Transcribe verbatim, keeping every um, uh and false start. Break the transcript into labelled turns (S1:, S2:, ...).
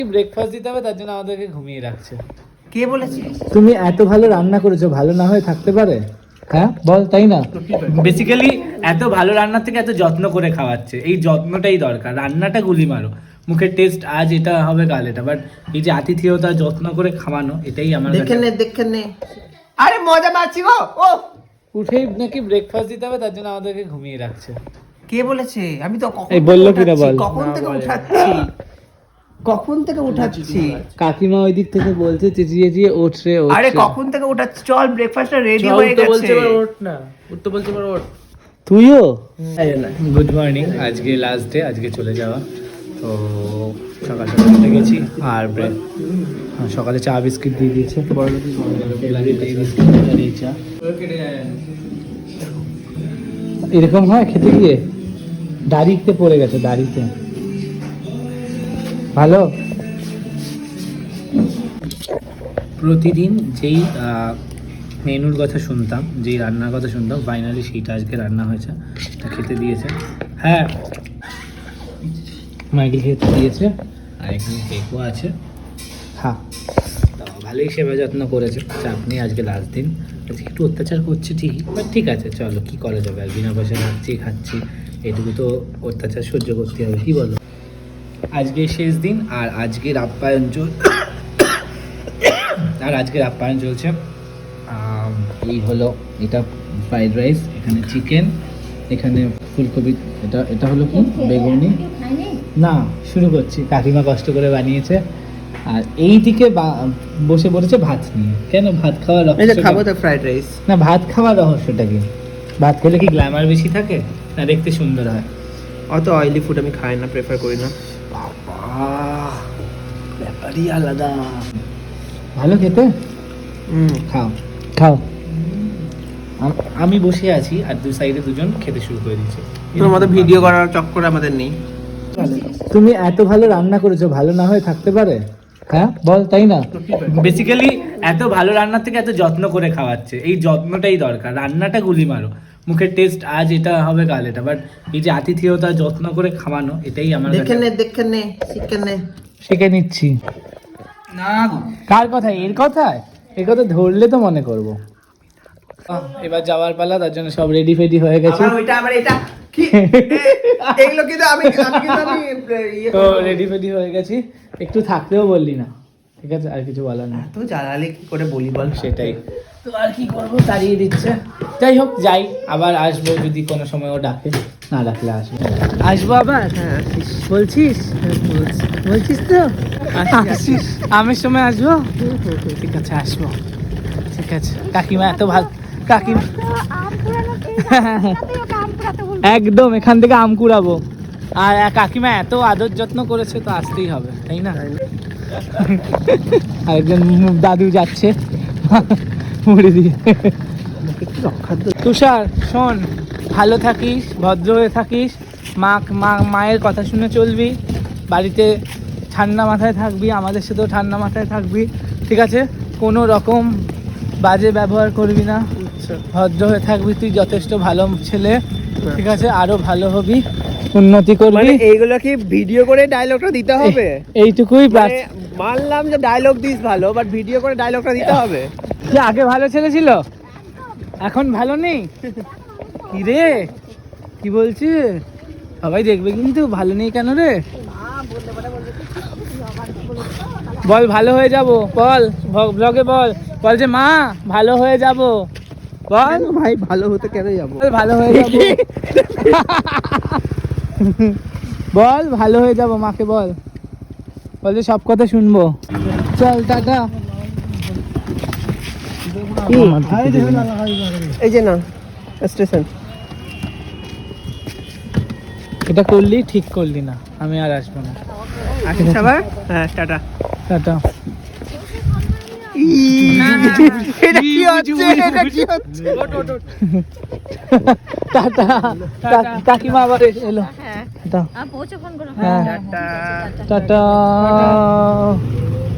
S1: Breakfast দিতে হবে, তার জন্য আমাদেরকে ঘুমিয়ে রাখছে।
S2: কে বলেছে?
S1: তুমি এত ভালো রান্না করেছো, ভালো না হয়ে থাকতে পারে? হ্যাঁ বল, তাই না? বেসিক্যালি এত ভালো রান্নার থেকে এত যত্ন করে খাওয়াচ্ছে, এই যত্নটাই দরকার। রান্নাটা গুলি মারো, মুখের টেস্ট আজ এটা হবে কাল এটা, বাট এই যে আতিথেয়তা যত্ন করে খাওয়ানো, এটাই আমার
S2: দেখেন নে দেখেন নে। আরে মজা পাচ্ছি গো। ও
S1: উঠেই নাকি ব্রেকফাস্ট দিতে হবে, তার জন্য আমাদেরকে ঘুমিয়ে রাখছে।
S2: কে বলেছে? আমি তো কখন
S1: এই বললো কিনা বল।
S2: কখন থেকে উঠাচ্ছি, কখন থেকে উঠাচ্ছি।
S1: কাকিমা ওই দিক থেকে বলছে চেঁচিয়ে চেঁচিয়ে ওঠ রে ওঠ।
S2: আরে কখন থেকে উঠাচ্ছি, চল ব্রেকফাস্টটা রেডি হয়ে গেছে।
S1: বলছে ওঠ না, উঠতে বলছে ওঠ। তুইও গুড মর্নিং। আজকে লাস্ট ডে, আজকে চলে যাওয়া। তো সকাল সকাল উঠে গেছি আর ব্রেড সকালে চা বিস্কিট দিয়ে দিয়েছে। এরকম হয় খেতে গিয়ে, দাড়িতে পড়ে গেছে, দাড়িতে। ভালো। প্রতিদিন যেই মেনুর কথা শুনতাম, যেই রান্নার কথা শুনতাম, ফাইনালি সেইটা আজকে রান্না হয়েছে, তা খেতে দিয়েছে। হ্যাঁ, মাইকেল খেতে দিয়েছে, আর এখানে কেকও আছে। হ্যাঁ, তো ভালোই সেবা যত্ন করেছে। চাপনি, আজকে লাস্ট দিন, আজকে একটু অত্যাচার করছে ঠিকই, বাট ঠিক আছে, চলো কি করা যাবে, আর বিনা পয়সা খাচ্ছি খাচ্ছি এটুকু তো অত্যাচার সহ্য করতে হবে, কি বলো? আজকে শেষ দিন, আর আজকের আপ্যায়ন চল আর আজকের আপ্যায়ন চলছে। এই হলো, এটা ফ্রাইড রাইস, এখানে চিকেন, এখানে ফুলকপি, এটা এটা হলো কি বেগুনি। না, শুরু করছি। কাকিমা কষ্ট করে বানিয়েছে, আর এই দিকে বসে পড়েছে ভাত নিয়ে। কেন ভাত খাওয়ার রহস্য?
S2: খাবো তো ফ্রাইড রাইস।
S1: না, ভাত খাওয়ার রহস্যটা কি? ভাত খেলে কি গ্ল্যামার বেশি থাকে, না দেখতে সুন্দর হয়?
S2: অত অয়েলি ফুড আমি খাই না, প্রেফার করি না।
S1: বাবা, ব্যাপারই আলাদা। ভালো খেতে।
S2: হুম,
S1: খাও খাও। আমি বসে আছি আর দুই সাইডে দুজন খেতে শুরু করে দিয়েছে।
S2: তোমাদের ভিডিও করার চক্কর আমাদের নেই।
S1: তুমি এত ভালো রান্না করেছো, ভালো না হয়ে থাকতে পারে? হ্যাঁ বল, তাই না? বেসিক্যালি এত ভালো রান্নার থেকে এত যত্ন করে খাওয়াচ্ছে, এই যত্নটাই দরকার। রান্নাটা গুলি মারো, মুখের টেস্ট আজ এটা হবে কাল এটা, বাট এই যে আতিথেয়তা যত্ন করে খাওয়ানো, এটাই আমার
S2: দেখেন নে দেখেন নে শিখেন নে।
S1: শিখে নিচ্ছি না। কার কথা? এর কথায়? এর কথা ধরলে তো মনে করবো। এবার যাওয়ার পালা, তার জন্য সব রেডি ফেডি হয়ে গেছে।
S2: ওইটা আবার এটা কি এগুলো কিন্তু আমি আমি কিন্তু আমি
S1: তো রেডি ফেডি হয়ে গেছি। একটু থাকতেও বললি না, ঠিক আছে, আর কিছু বলার না।
S2: তো জ্বালালে কি করে বলি বল?
S1: সেটাই তো, আর কি করবো, তাড়িয়ে দিচ্ছে। যাই হোক, যাই, আবার আসবো যদি কোনো সময় ও ডাকে, না ডাকলে আসবো। আসবো আবার?
S2: হ্যাঁ
S1: বলছিস? বলছিস তো আসিস? আমের সময় আসবো? ঠিক আছে, আসবো। ঠিক আছে। কাকিমা এত ভালো, কাকিমা একদম এখান থেকে আম কুড়াবো। আর কাকিমা এত আদর যত্ন করেছে, তো আসতেই হবে, তাই না? আরেকজন দাদু যাচ্ছে মুড়ি দিয়ে। তুষার শোন, ভালো থাকিস, ভদ্র হয়ে থাকিস, মা মা মায়ের কথা শুনে চলবি, বাড়িতে ঠান্ডা মাথায় থাকবি, আমাদের সাথেও ঠান্ডা মাথায় থাকবি, ঠিক আছে? কোনো রকম বাজে ব্যবহার করবি না, ভদ্র হয়ে থাকবি। তুই যথেষ্ট ভালো ছেলে, ঠিক আছে? আরো ভালো হবি, উন্নতি করবি।
S2: মানে এইগুলো কি ভিডিও করে ডায়লগটা দিতে হবে?
S1: এইটুকুই
S2: মানলাম যে ডায়লগ দিস ভালো, বাট ভিডিও করে ডায়লগটা দিতে হবে।
S1: যে আগে ভালো ছেলে ছিল, এখন ভালো নেই? কি রে, কি বলছিস? সবাই দেখবে কিন্তু, ভালো নেই কেন রে? বল ভালো হয়ে যাব, বল ব্লগে বল, বল যে মা ভালো হয়ে যাব, বল
S2: ভাই ভালো হতে কেন যাবো?
S1: ভালো হয়ে যাব, বল ভালো হয়ে যাব, মাকে বল, বল যে সব কথা শুনবো। চল টাটা।
S2: এই যে না স্টেশন,
S1: এটা করলি ঠিক করলি না, আমি আর আসবো না।
S2: আসিস আবার? হ্যাঁ টাটা
S1: টাটা।
S2: এটা কি হচ্ছে? এটা কি হচ্ছে?
S1: টাটা। কাকিমা আবার এলো।
S3: হ্যাঁ,
S1: টাটা।
S3: পৌঁছে ফোন করো।
S1: হ্যাঁ, টাটা।